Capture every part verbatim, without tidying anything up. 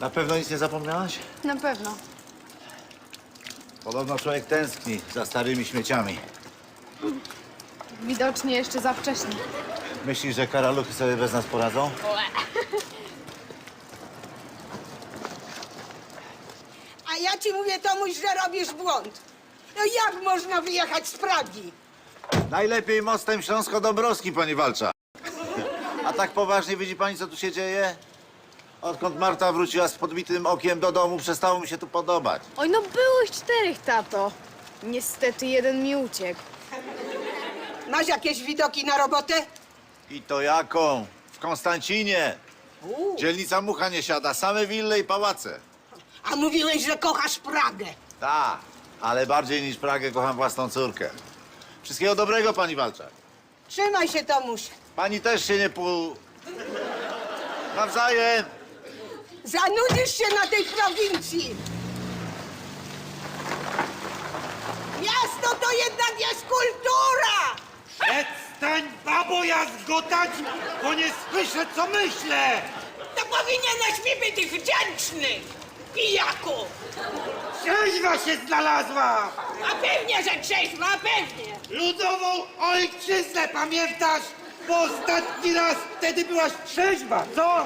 Na pewno nic nie zapomniałaś? Na pewno. Podobno człowiek tęskni za starymi śmieciami. Widocznie jeszcze za wcześnie. Myślisz, że karaluchy sobie bez nas poradzą? A ja ci mówię, Tomuś, że robisz błąd. No jak można wyjechać z Pragi? Najlepiej mostem Śląsko-Dąbrowskim, pani Walcza. A tak poważnie widzi pani, co tu się dzieje? Odkąd Marta wróciła z podbitym okiem do domu, przestało mi się tu podobać. Oj, no byłych czterech, tato. Niestety jeden mi uciekł. Masz jakieś widoki na robotę? I to jaką? W Konstancinie. U, Dzielnica Mucha nie siada, same wille i pałace. a mówiłeś, że kochasz Pragę. Tak, ale bardziej niż Pragę kocham własną córkę. Wszystkiego dobrego, pani Walczak. Trzymaj się, Tomuś. Pani też się nie pół... Nawzajem! Zanudzisz się na tej prowincji. Miasto to jednak jest kultura! Przestań, babo, jazgotać, bo nie słyszę, co myślę! To powinieneś mi być wdzięczny, pijaku! Trzeźwa się znalazła! A pewnie, że trzeźwa, a pewnie! Ludową ojczyznę, pamiętasz? Bo ostatni raz wtedy byłaś trzeźwa, co?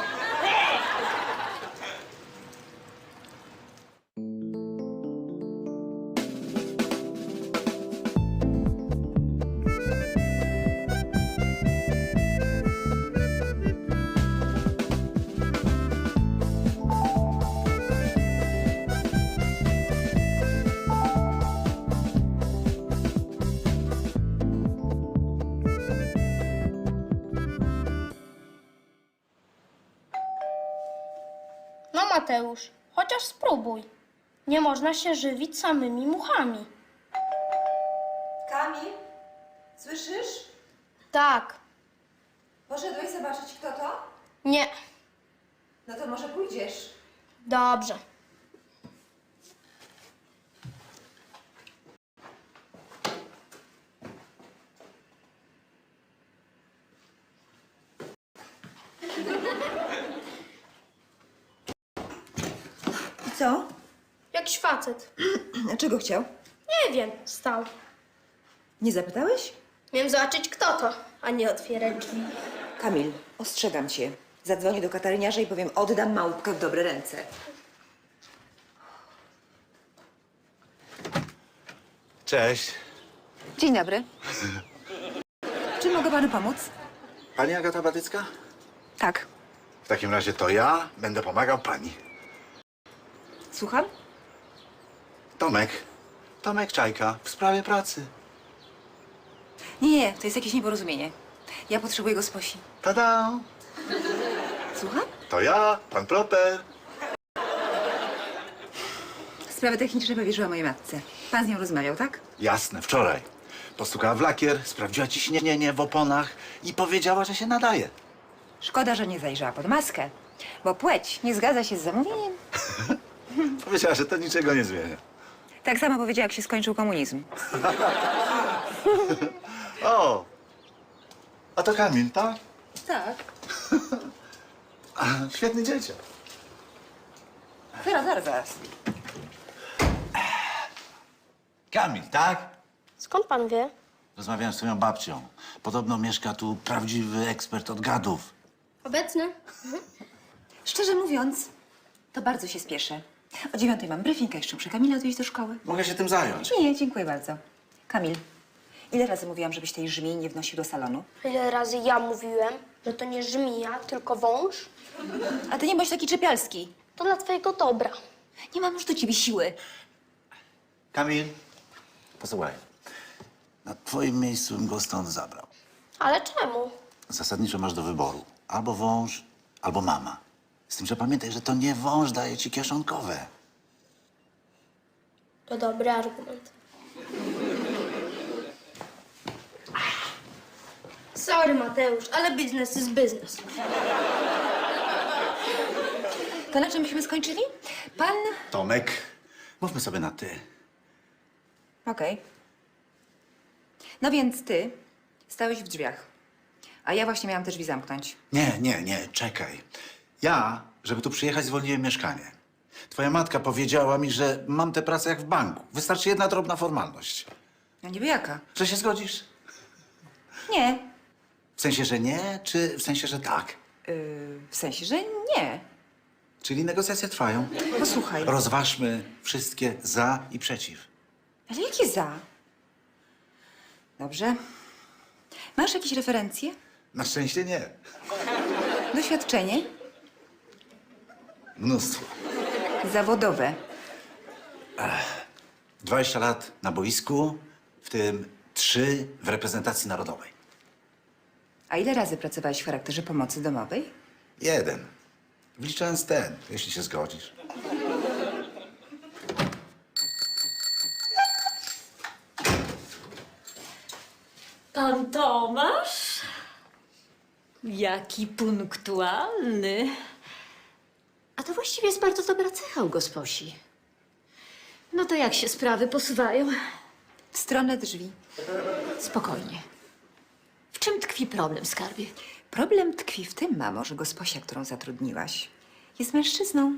No Mateusz, chociaż spróbuj. Nie można się żywić samymi muchami. Kamil, słyszysz? Tak. Poszedłeś zobaczyć, kto to? Nie. No to może pójdziesz. Dobrze. I co? Jakiś facet. Czego chciał? Nie wiem, stał. Nie zapytałeś? Miałem zobaczyć, kto to, a nie otwierać drzwi. Kamil, ostrzegam cię. Zadzwonię do kataryniarza i powiem, oddam małpkę w dobre ręce. Cześć. Dzień dobry. Czym mogę panu pomóc? Pani Agata Batycka? Tak. W takim razie to ja będę pomagał pani. Słucham? Tomek. Tomek Czajka w sprawie pracy. Nie, nie, to jest jakieś nieporozumienie. Ja potrzebuję go z Posi. Tada! Słucham? To ja, pan Proper. Sprawy techniczne powierzyła mojej matce. Pan z nią rozmawiał, tak? Jasne, wczoraj. Postukała w lakier, sprawdziła ciśnienie w oponach i powiedziała, że się nadaje. Szkoda, że nie zajrzała pod maskę, bo płeć nie zgadza się z zamówieniem. Powiedziała, że to niczego nie zmienia. Tak samo powiedziała, jak się skończył komunizm. O! A to Kamil, tak? Tak. A, świetny dzieciak. Zaraz, zaraz, zaraz. Kamil, tak? Skąd pan wie? Rozmawiałem z twoją babcią. Podobno mieszka tu prawdziwy ekspert od gadów. Obecny? Szczerze mówiąc, to bardzo się spieszę. O dziewiątej mam briefing, a jeszcze muszę Kamila odwieźć do szkoły. Mogę się tym zająć. Nie, dziękuję bardzo. Kamil, ile razy mówiłam, żebyś tej żmii nie wnosił do salonu? Ile razy ja mówiłem, że to nie żmija, tylko wąż? A ty nie bądź taki czepialski. To dla twojego dobra. Nie mam już do ciebie siły. Kamil, posłuchaj. Na twoim miejscu bym go stąd zabrał. Ale czemu? Zasadniczo masz do wyboru. Albo wąż, albo mama. Z tym, że pamiętaj, że to nie wąż daje ci kieszonkowe. To dobry argument. Sorry, Mateusz, ale biznes jest biznes. To na czym byśmy skończyli? Pan... Tomek, mówmy sobie na ty. Okej. No więc ty stałeś w drzwiach, a ja właśnie miałam te drzwi zamknąć. Nie, nie, nie, czekaj. Ja, żeby tu przyjechać, zwolniłem mieszkanie. Twoja matka powiedziała mi, że mam tę pracę jak w banku. Wystarczy jedna drobna formalność. No niby jaka? Że się zgodzisz? Nie. W sensie, że nie, czy w sensie, że tak? Yy, w sensie, że nie. Czyli negocjacje trwają. Posłuchaj. Rozważmy wszystkie za i przeciw. Ale jakie za? Dobrze. Masz jakieś referencje? Na szczęście nie. Doświadczenie? Mnóstwo. Zawodowe. dwadzieścia lat na boisku, w tym trzy w reprezentacji narodowej. A ile razy pracowałeś w charakterze pomocy domowej? Jeden. Wliczając ten, jeśli się zgodzisz. Pan Tomasz? Jaki punktualny. A to właściwie jest bardzo dobra cecha u gosposi. No to jak się sprawy posuwają? W stronę drzwi. Spokojnie. W czym tkwi problem, skarbie? Problem tkwi w tym, mamo, że gosposia, którą zatrudniłaś, jest mężczyzną.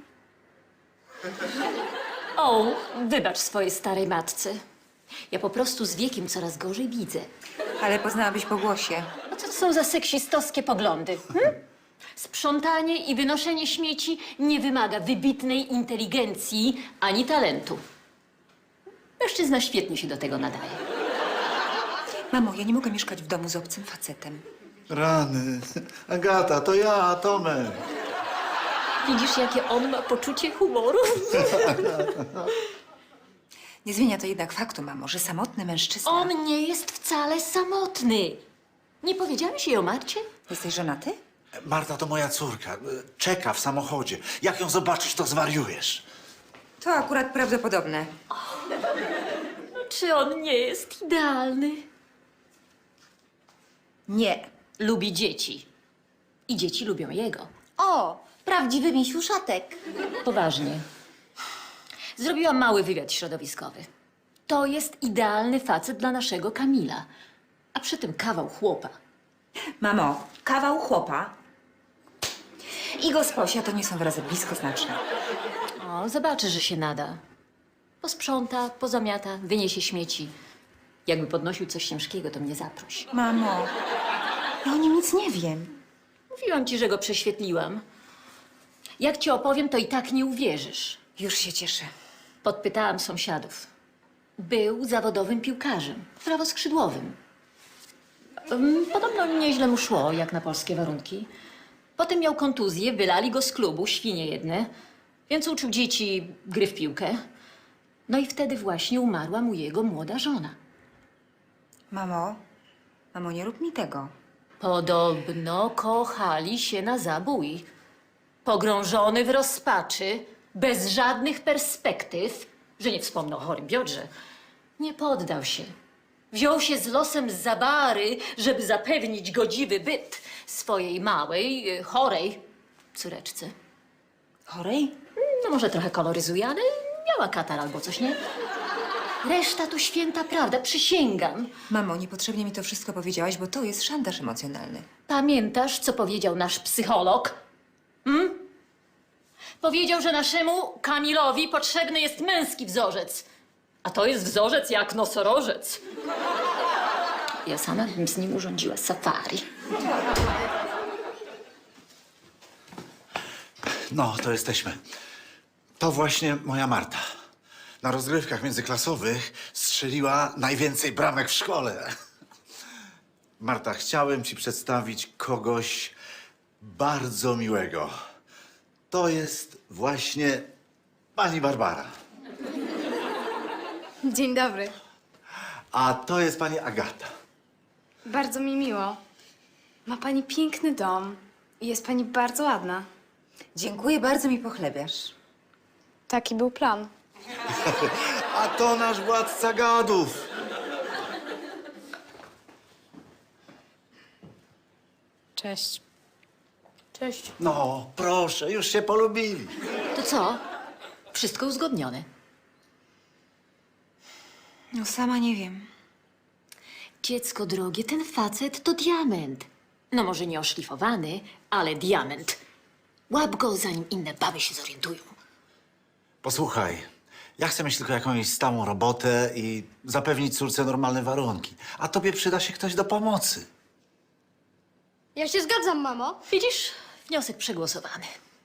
O, wybacz swojej starej matce. Ja po prostu z wiekiem coraz gorzej widzę. Ale poznałabyś po głosie. A co to są za seksistowskie poglądy? Hm? Sprzątanie i wynoszenie śmieci nie wymaga wybitnej inteligencji ani talentu. Mężczyzna świetnie się do tego nadaje. Mamo, ja nie mogę mieszkać w domu z obcym facetem. Rany. Agata, to ja, Tomek. Widzisz, jakie on ma poczucie humoru? Nie zmienia to jednak faktu, mamo, że samotny mężczyzna... On nie jest wcale samotny. Nie powiedziałeś jej o Marcie? Jesteś żonaty? Marta to moja córka. Czeka w samochodzie. Jak ją zobaczysz, to zwariujesz. To akurat prawdopodobne. Czy on nie jest idealny? Nie. Lubi dzieci. I dzieci lubią jego. O, prawdziwy misiuszatek. Poważnie. Zrobiłam mały wywiad środowiskowy. To jest idealny facet dla naszego Kamila. A przy tym kawał chłopa. Mamo, kawał chłopa i gosposia to nie są wyrazy bliskoznaczne. O, zobaczy, że się nada. Posprząta, pozamiata, wyniesie śmieci. Jakby podnosił coś ciężkiego, to mnie zaproś. Mamo, ja o nim nic nie wiem. Mówiłam ci, że go prześwietliłam. Jak ci opowiem, to i tak nie uwierzysz. Już się cieszę. Podpytałam sąsiadów. Był zawodowym piłkarzem, prawoskrzydłowym. Ym, Podobno nieźle mu szło, jak na polskie warunki. Potem miał kontuzję, wylali go z klubu, świnie jedne, więc uczył dzieci gry w piłkę. No i wtedy właśnie umarła mu jego młoda żona. Mamo, mamo, nie rób mi tego. Podobno kochali się na zabój. Pogrążony w rozpaczy, bez żadnych perspektyw, że nie wspomnę o chorym biodrze, nie poddał się. Wziął się z losem z zabary, żeby zapewnić godziwy byt swojej małej, y, chorej córeczce. Chorej? No może trochę koloryzuje, ale miała katar albo coś, nie? Reszta to święta prawda, przysięgam. Mamo, niepotrzebnie mi to wszystko powiedziałaś, bo to jest szantaż emocjonalny. Pamiętasz, co powiedział nasz psycholog? Hmm? Powiedział, że naszemu Kamilowi potrzebny jest męski wzorzec. A to jest wzorzec jak nosorożec. Ja sama bym z nim urządziła safari. No, to jesteśmy. To właśnie moja Marta. Na rozgrywkach międzyklasowych strzeliła najwięcej bramek w szkole. Marta, chciałem ci przedstawić kogoś bardzo miłego. To jest właśnie pani Barbara. Dzień dobry. A to jest pani Agata. Bardzo mi miło. Ma pani piękny dom i jest pani bardzo ładna. Dziękuję, bardzo mi pochlebiasz. Taki był plan. A to nasz władca gadów. Cześć. Cześć. No, proszę, już się polubili. To co? Wszystko uzgodnione. No sama nie wiem. Dziecko drogie, ten facet to diament. No może nie oszlifowany, ale diament. Łap go, zanim inne baby się zorientują. Posłuchaj, ja chcę mieć tylko jakąś stałą robotę i zapewnić córce normalne warunki. A tobie przyda się ktoś do pomocy. Ja się zgadzam, mamo. Widzisz? Wniosek przegłosowany.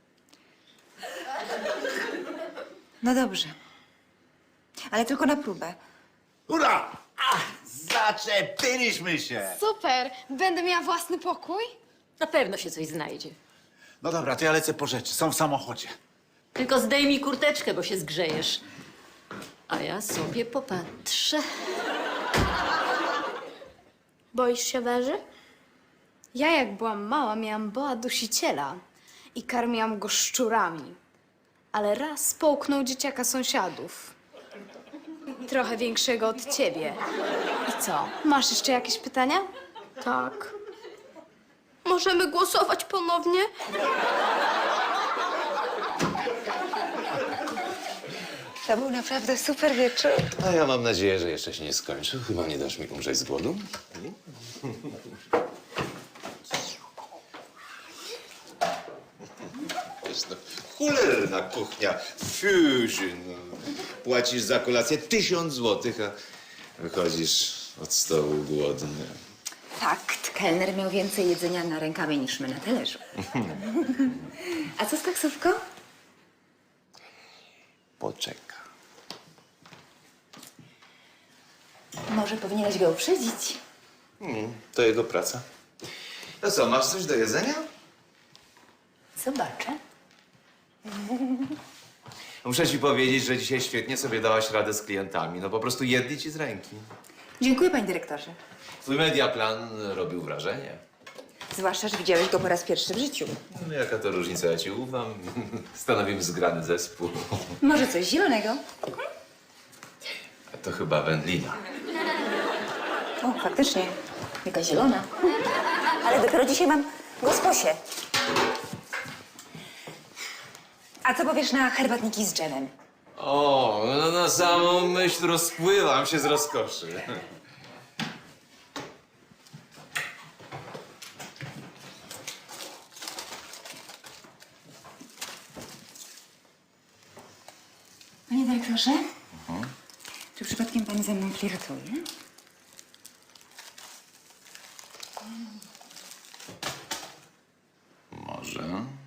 No dobrze. Ale tylko na próbę. Ura! Ach, zaczepiliśmy się! Super! Będę miała własny pokój? Na pewno się coś znajdzie. No dobra, to ja lecę po rzeczy. Są w samochodzie. Tylko zdejmij kurteczkę, bo się zgrzejesz. A ja sobie popatrzę. Boisz się węży? Ja jak byłam mała, miałam boa dusiciela i karmiłam go szczurami. Ale raz połknął dzieciaka sąsiadów. Trochę większego od ciebie. I co? Masz jeszcze jakieś pytania? Tak. Możemy głosować ponownie? To był naprawdę super wieczór. A ja mam nadzieję, że jeszcze się nie skończył. Chyba nie dasz mi umrzeć z głodu. Wiesz, no, cholerna kuchnia. Fusion. Płacisz za kolację tysiąc złotych, a wychodzisz od stołu głodny. Fakt, kelner miał więcej jedzenia na rękawie niż my na talerzu. A co z taksówką? Poczeka. Może powinieneś go uprzedzić. Hmm, to jego praca. No co, masz coś do jedzenia? Zobaczę. Muszę ci powiedzieć, że dzisiaj świetnie sobie dałaś radę z klientami. No po prostu jedli ci z ręki. Dziękuję, panie dyrektorze. Twój mediaplan robił wrażenie. Zwłaszcza, że widziałeś go po raz pierwszy w życiu. No jaka to różnica, ja ci ufam. Stanowimy zgrany zespół. Może coś zielonego? A to chyba wędlina. O, faktycznie. Jaka zielona. Ale dopiero dzisiaj mam gosposię. A co powiesz na herbatniki z dżemem? O, no na samą myśl rozpływam się z rozkoszy. Panie dyrektorze? Czy przypadkiem pan ze mną flirtuje? Może?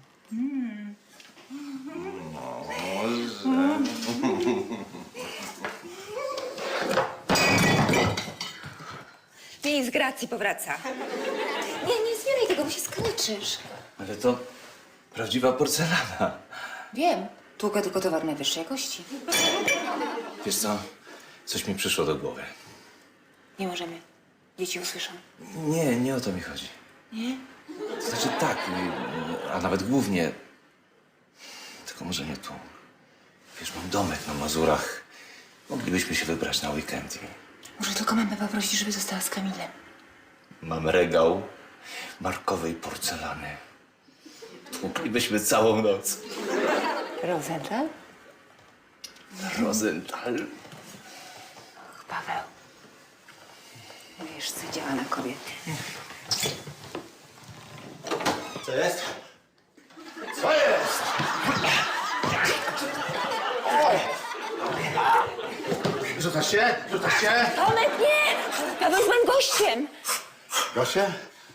Miej z gracji powraca. Nie, nie zbieraj tego, bo się skaleczysz. Ale to prawdziwa porcelana. Wiem. Tłukę tylko towar najwyższej jakości. Wiesz co? Coś mi przyszło do głowy. Nie możemy. Dzieci usłyszą. Nie, nie o to mi chodzi. Nie? To znaczy tak, y, a nawet głównie. Tylko może nie tu. Wiesz, mam domek na Mazurach. Moglibyśmy się wybrać na weekend. i Może tylko mamę poprosić, żeby została z Kamilem. Mam regał markowej porcelany. Tłuklibyśmy całą noc. Rozental? Rosenthal. Och, Paweł. Wiesz, co działa na kobiety. Co jest? Co jest? Rzucasz się? Rzucasz się? Tomek, nie! Paweł jest moim gościem! Gosie?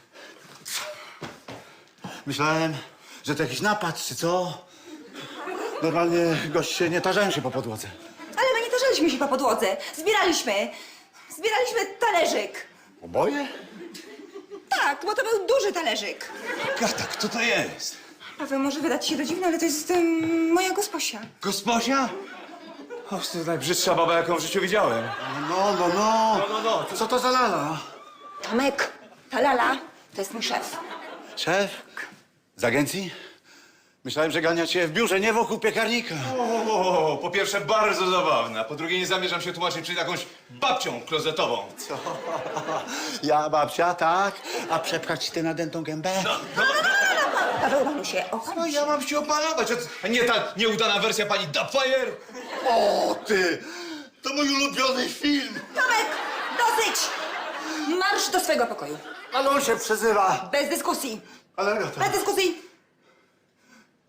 Myślałem, że to jakiś napad, czy co? Normalnie goście nie tarzają się po podłodze. Ale my nie tarzaliśmy się po podłodze. Zbieraliśmy. Zbieraliśmy talerzyk. Oboje? Tak, bo to był duży talerzyk. Gata, kto to jest? Paweł, może wydać się to dziwne, ale to jest um, moja gosposia. Gosposia? O, to najbrzydsza baba, jaką w życiu widziałem. No, no, no. No, no, no. Co to za lala? Tomek, ta lala to jest mój szef. Szef? Z agencji? Myślałem, że gania cię w biurze, nie wokół piekarnika. O, po pierwsze bardzo zabawne, a po drugie nie zamierzam się tłumaczyć przed jakąś babcią klozetową. Co? Ja babcia, tak? A przepchać ci tę nadętą gębę? Paweł, panu się o. No ja mam się opanować, a nie ta nieudana wersja pani Dubfire? O, ty! To mój ulubiony film! Tomek, dosyć! Marsz do swojego pokoju. Ale on się przezywa. Bez dyskusji. Ale Agata, Bez dyskusji.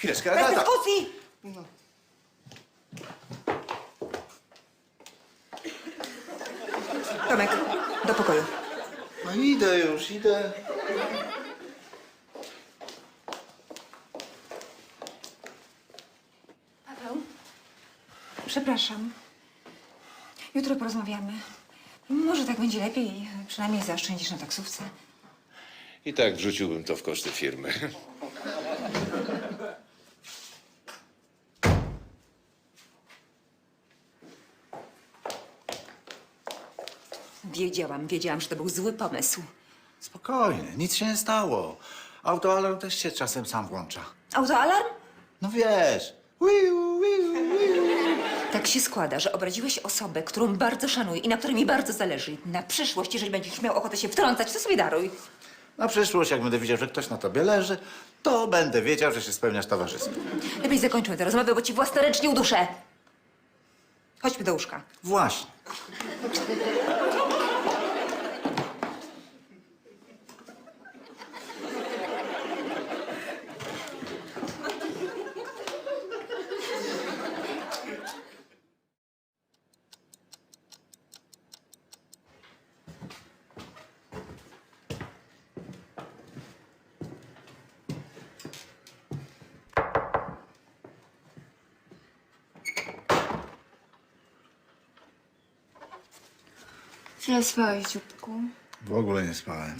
Chwileczkę, Bez Agata. dyskusji! Tomek, do pokoju. No idę już, idę. Paweł? Przepraszam. Jutro porozmawiamy. Może tak będzie lepiej. Przynajmniej zaoszczędzisz na taksówce. I tak wrzuciłbym to w koszty firmy. Wiedziałam, wiedziałam, że to był zły pomysł. Spokojnie, nic się nie stało. Autoalarm też się czasem sam włącza. Autoalarm? No wiesz. Wiu, wiu, wiu. Tak się składa, że obraziłeś osobę, którą bardzo szanuję i na której mi bardzo zależy. Na przyszłość, jeżeli będziesz miał ochotę się wtrącać, to sobie daruj. Na przyszłość, jak będę widział, że ktoś na tobie leży, to będę wiedział, że się spełniasz towarzystwo. Lepiej zakończmy tę rozmowę, bo ci własnoręcznie uduszę. Chodźmy do łóżka. Właśnie. Źle spałeś, dzióbku. W ogóle nie spałem.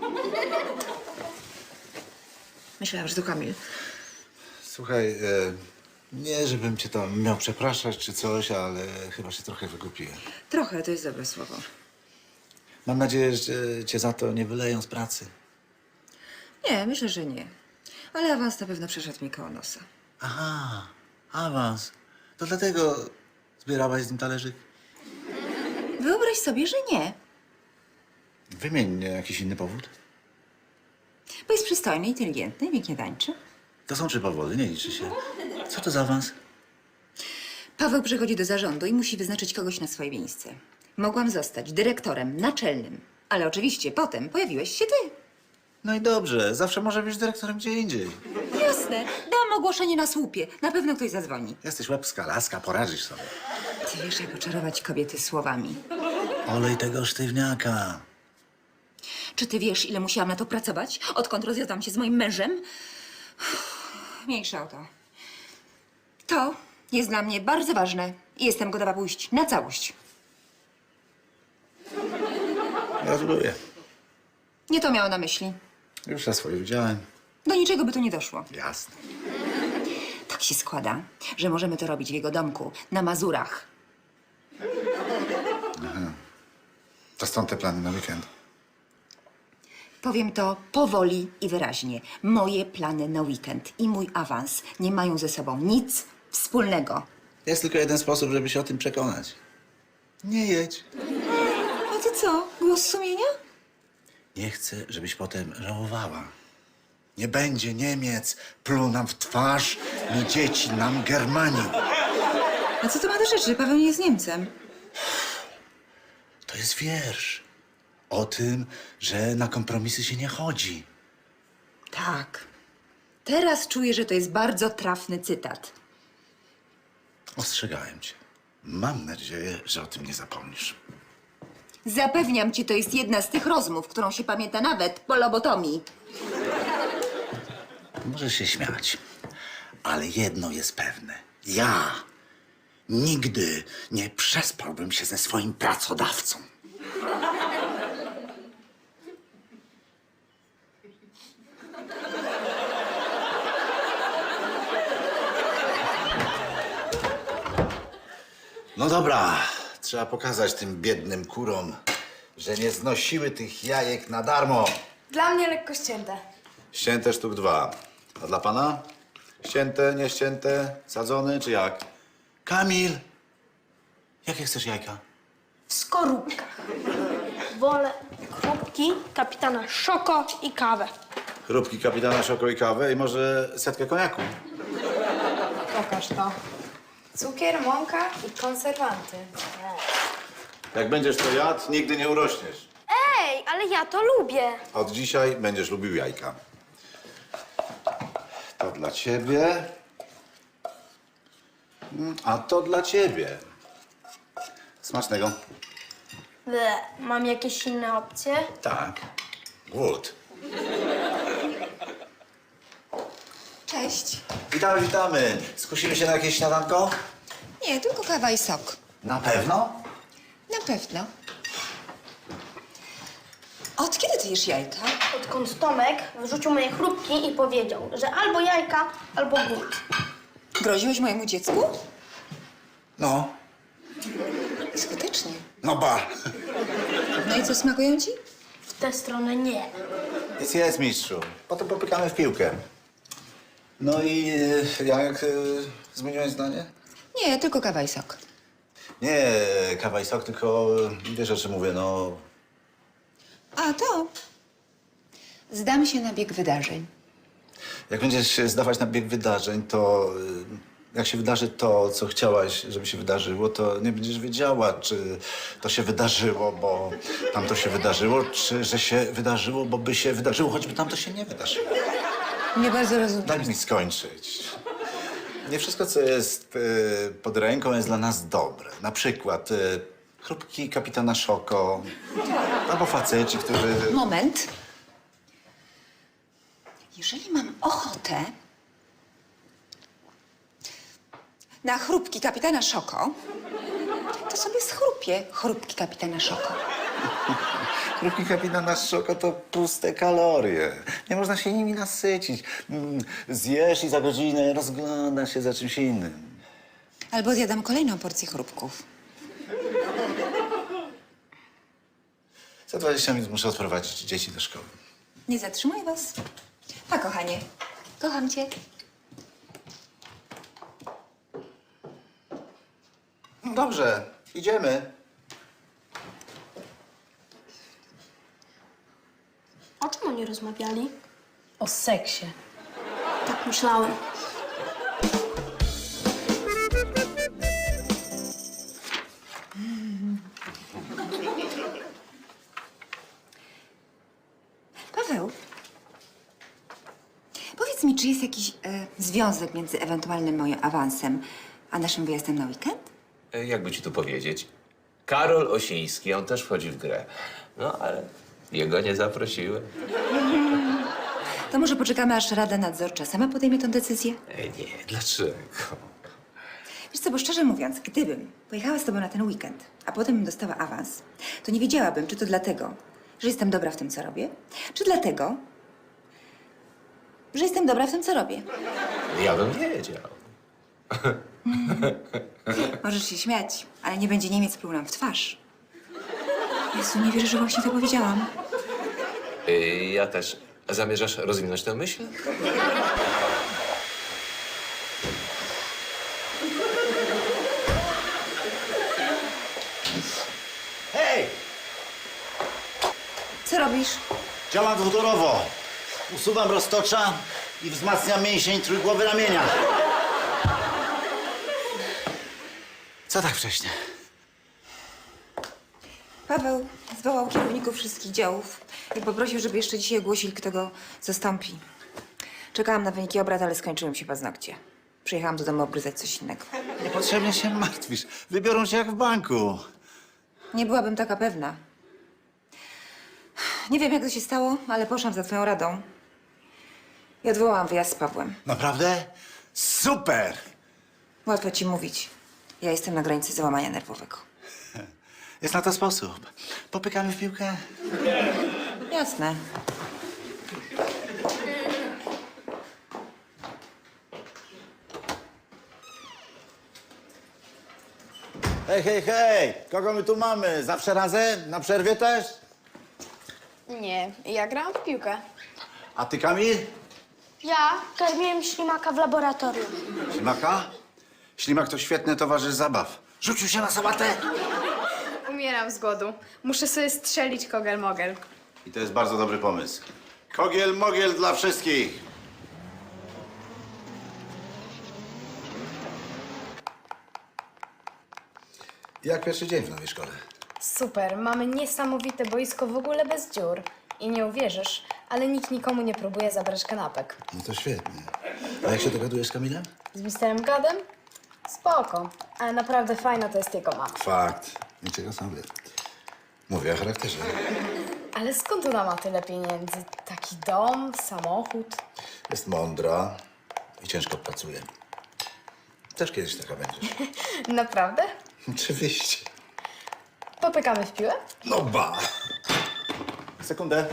Myślałam, że to Kamil. Słuchaj, e, nie żebym cię tam miał przepraszać czy coś, ale chyba się trochę wygupiłem. Trochę, to jest dobre słowo. Mam nadzieję, że cię za to nie wyleją z pracy. Nie, myślę, że nie. Ale awans na pewno przeszedł mi koło nosa. Aha, awans. To dlatego zbierałaś z nim talerzyk? Wyobraź sobie, że nie. Wymień jakiś inny powód. Bo jest przystojny, inteligentny, pięknie tańczy. To są trzy powody, nie liczy się. Co to za awans? Paweł przychodzi do zarządu i musi wyznaczyć kogoś na swoje miejsce. Mogłam zostać dyrektorem naczelnym, ale oczywiście potem pojawiłeś się ty. No i dobrze, zawsze może być dyrektorem gdzie indziej. Jasne, dam ogłoszenie na słupie. Na pewno ktoś zadzwoni. Jesteś łebska laska, poradzisz sobie. Ty wiesz, jak oczarować kobiety słowami. Olej tego sztywniaka. Czy ty wiesz, ile musiałam na to pracować, odkąd rozwiodłam się z moim mężem? Uff, Mniejsza o to. To jest dla mnie bardzo ważne i jestem gotowa pójść na całość. Gratuluję. Nie to miało na myśli. Już na swoje widziałem. Do niczego by tu nie doszło. Jasne. Tak się składa, że możemy to robić w jego domku, na Mazurach. To stąd te plany na weekend. Powiem to powoli i wyraźnie. Moje plany na weekend i mój awans nie mają ze sobą nic wspólnego. Jest tylko jeden sposób, żeby się o tym przekonać. Nie jedź. A ty co? Głos sumienia? Nie chcę, żebyś potem żałowała. Nie będzie Niemiec, pluł nam w twarz, ni dzieci nam Germanii. A co to ma do rzeczy? Paweł nie jest Niemcem. To jest wiersz o tym, że na kompromisy się nie chodzi. Tak. Teraz czuję, że to jest bardzo trafny cytat. Ostrzegałem cię. Mam nadzieję, że o tym nie zapomnisz. Zapewniam ci, to jest jedna z tych rozmów, którą się pamięta nawet po lobotomii. Możesz się śmiać, ale jedno jest pewne. Ja nigdy nie przespałbym się ze swoim pracodawcą. No dobra, trzeba pokazać tym biednym kurom, że nie znosiły tych jajek na darmo. Dla mnie lekko ścięte. Ścięte sztuk dwa. A dla pana? Ścięte, nieścięte, sadzone czy jak? Kamil! Jakie chcesz jajka? W skorupkach. Wolę chrupki, kapitana Szoko i kawę. Chrupki kapitana Szoko i kawę i może setkę koniaku. Pokaż to. Cukier, mąka i konserwanty. Jak będziesz to jadł, nigdy nie urośniesz. Ej, ale ja to lubię. Od dzisiaj będziesz lubił jajka. To dla ciebie. Mm, A to dla ciebie. Smacznego. Ble, mam jakieś inne opcje? Tak. Głód. Cześć. Witamy, witamy. Skusimy się na jakieś śniadanko? Nie, tylko kawa i sok. Na pewno? Na pewno. Od kiedy ty jesz jajka? Odkąd Tomek wrzucił moje chrupki i powiedział, że albo jajka, albo głód. Groziłeś mojemu dziecku? No. Skutecznie. No ba. No i co, smakują ci? W tę stronę nie. Jest, jest, mistrzu. Potem popykamy w piłkę. No i e, jak e, zmieniłeś zdanie? Nie, tylko kawa i sok. Nie kawa i sok, tylko e, wiesz o czym mówię, no... A to... Zdam się na bieg wydarzeń. Jak będziesz się zdawać na bieg wydarzeń, to e, jak się wydarzy to, co chciałaś, żeby się wydarzyło, to nie będziesz wiedziała, czy to się wydarzyło, bo tam to się wydarzyło, czy że się wydarzyło, bo by się wydarzyło, choćby tam to się nie wydarzyło. Nie bardzo rozumiem. Daj mi skończyć. Nie wszystko, co jest e, pod ręką, jest dla nas dobre. Na przykład e, chrupki kapitana Szoko, albo faceci, którzy... Moment. Jeżeli mam ochotę na chrupki kapitana Szoko, to sobie schrupię chrupki kapitana Szoko. Chrupki kapitana Szoko to puste kalorie. Nie można się nimi nasycić. Mm, Zjesz i za godzinę rozglądasz się za czymś innym. Albo zjadam kolejną porcję chrupków. Za dwadzieścia minut muszę odprowadzić dzieci do szkoły. Nie zatrzymuję was. Pa, kochanie. Kocham cię. Dobrze, idziemy. O czym oni rozmawiali? O seksie. Tak myślałem. Paweł, powiedz mi, czy jest jakiś e, związek między ewentualnym moim awansem a naszym wyjazdem na weekend? E, Jakby ci tu powiedzieć? Karol Osiński, on też wchodzi w grę. No, ale jego nie zaprosiłem. To może poczekamy, aż Rada Nadzorcza sama podejmie tę decyzję? E, nie, dlaczego? Wiesz co, bo szczerze mówiąc, gdybym pojechała z tobą na ten weekend, a potem bym dostała awans, to nie wiedziałabym, czy to dlatego, że jestem dobra w tym, co robię, czy dlatego, że jestem dobra w tym, co robię. Ja bym wiedział. Możesz się śmiać, ale nie będzie Niemiec pluł nam w twarz. Jezu, nie wierzę, że właśnie to powiedziałam. E, ja też. A zamierzasz rozwinąć tę myśl? Hej! Co robisz? Działam dwutorowo. Usuwam roztocza i wzmacniam mięsień trójgłowy ramienia. Co tak wcześnie? Paweł zwołał kierowników wszystkich działów i poprosił, żeby jeszcze dzisiaj ogłosili, kto go zastąpi. Czekałam na wyniki obrad, ale skończyły mi się paznokcie. Przyjechałam do domu obgryzać coś innego. Niepotrzebnie się martwisz. Wybiorą cię jak w banku. Nie byłabym taka pewna. Nie wiem, jak to się stało, ale poszłam za twoją radą i odwołałam wyjazd z Pawłem. Naprawdę? Super! Łatwo ci mówić. Ja jestem na granicy załamania nerwowego. Jest na to sposób. Popykamy w piłkę? Jasne. Hej, hej, hej! Kogo my tu mamy? Zawsze razem? Na przerwie też? Nie, ja grałam w piłkę. A ty, Kamil? Ja karmiłem ślimaka w laboratorium. Ślimaka? Ślimak to świetny towarzysz zabaw. Rzucił się na sałatę. Umieram z głodu. Muszę sobie strzelić kogel-mogel. I to jest bardzo dobry pomysł. Kogiel mogiel dla wszystkich. Jak pierwszy dzień w nowej szkole? Super, mamy niesamowite boisko w ogóle bez dziur. I nie uwierzysz, ale nikt nikomu nie próbuje zabrać kanapek. No to świetnie. A jak się dogadujesz z Kamilem? Z misterem Gadem? Spoko, ale naprawdę fajna to jest jego mama. Fakt. Niczego sobie. Mówię o charakterze. Ale skąd ona ma tyle pieniędzy? Taki dom, samochód. Jest mądra i ciężko pracuje. Też kiedyś taka będziesz. Naprawdę? Oczywiście. Popykamy w piłę? No ba! Sekundę.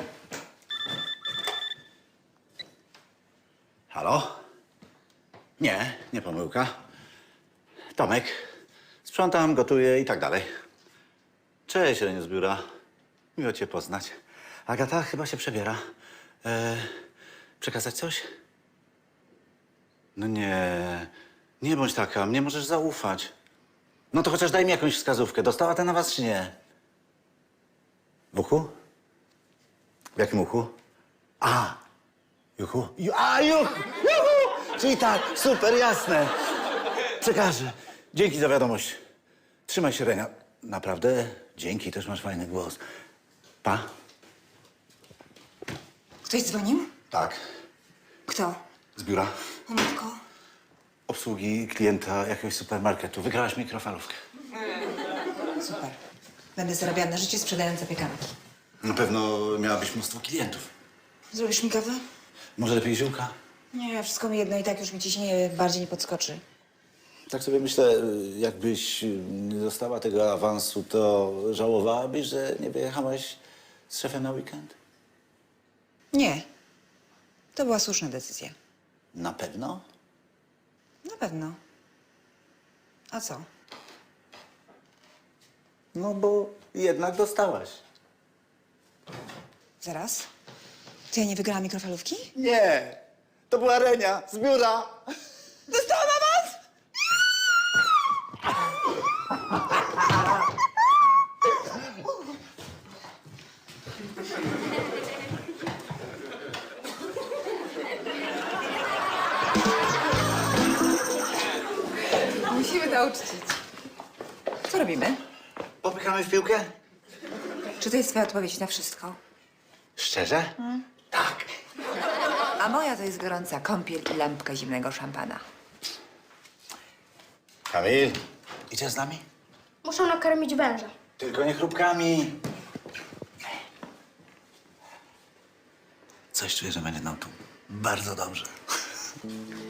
Halo? Nie, nie pomyłka. Tomek. Sprzątam, gotuję i tak dalej. Cześć, Reniu z biura. Miło cię poznać. Agata chyba się przebiera. E, przekazać coś? No nie, nie bądź taka, mnie możesz zaufać. No to chociaż daj mi jakąś wskazówkę. Dostała ten awans czy nie? W uchu? W jakim uchu? A, juchu? Ju, a, juchu! Juhu! Czyli tak, super, jasne. Przekażę. Dzięki za wiadomość. Trzymaj się, Renia. Naprawdę, dzięki, też masz fajny głos. Pa? Ktoś dzwonił? Tak. Kto? Z biura. O matko. Obsługi klienta jakiegoś supermarketu. Wygrałaś mikrofalówkę. Super. Będę zarabiała na życie sprzedając zapiekanki. Na pewno miałabyś mnóstwo klientów. Zrobisz mi kawę? Może lepiej ziółka? Nie, wszystko mi jedno i tak już mi ciśnienie bardziej nie podskoczy. Tak sobie myślę, jakbyś nie dostała tego awansu, to żałowałabyś, że nie wyjechałaś z szefem na weekend? Nie. To była słuszna decyzja. Na pewno? Na pewno. A co? No bo jednak dostałaś. Zaraz? To ja nie wygrałam mikrofalówki? Nie! To była Renia z biura. Dostałam awans! Musimy to uczcić. Co robimy? Popychamy w piłkę? Czy to jest twoja odpowiedź na wszystko? Szczerze? Tak. A moja to jest gorąca kąpiel i lampka zimnego szampana. Kamil, idziesz z nami? Muszę nakarmić węża. Tylko nie chrupkami. Coś czuję, że będzie nam tu bardzo dobrze.